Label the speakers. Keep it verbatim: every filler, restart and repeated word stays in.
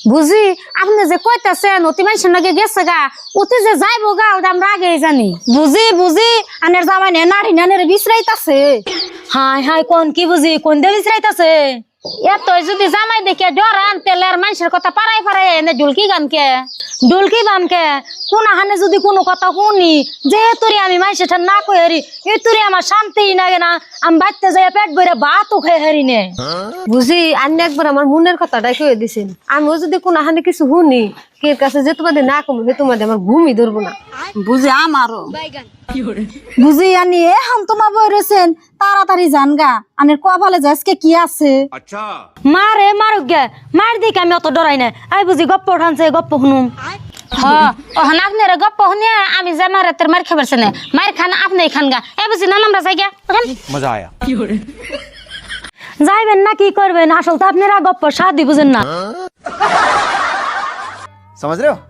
Speaker 1: বুঝি আপনি যে কইতাছেন অতি মানুষের নাকি গেছে গা অতি যে যাইবো গা ওটা আমরা আগেই জানি।
Speaker 2: বুঝি বুঝি আনের জামাই নে নারী নানের বিশ্রাইতাছে। হাই হাই কোন কি বুঝি কোন দে বিশ্রাইতাছে।
Speaker 1: এত যদি জামাই দেখে ডরান তেলে আর মানুষের কথা পারাই পারে এনে ঢুলকি গানকে
Speaker 2: ডুলকি বামকে কোন হানে যদি কোনো কথা শুনি যে তোরে আমি মাইসে ঠান না কই হারি এ তোরে আমার শান্তি লাগে না আমি বাইতে যাই পেট ভরে ভাতও খাই হারি নে।
Speaker 3: বুঝি আন্নে একবার আমার মনের কথাটাই কয়ে দিছেন আমিও যদি কোনো হানে কিছু শুনি কে কাছে যে তোমাদের না কমে সে তোমাদের আমার ঘুমই ধরবো না।
Speaker 2: বুঝি আমারও বুঝি আনি এ হাম তোমা বই রয়েছেন তাড়াতাড়ি জান গা আনের কপালে যে আজকে কি আছে।
Speaker 4: আচ্ছা
Speaker 2: মারে মারুক গে মার দিকে আমি অত ডরাই না আই বুঝি গপ্প উঠানছে গপ্প শুনুম।
Speaker 1: হ্যাঁ ওখানে আপনার গপ্প শুনিয়া আমি যে মারে তোর মার খাবার না মার খান আপনি খান গা এ বুঝি না আমরা যাই গা
Speaker 4: মজা আয়া
Speaker 2: যাইবেন না কি করবেন আসল তো আপনারা গপ্প সাদি বুঝেন না।
Speaker 4: समझ रहे हो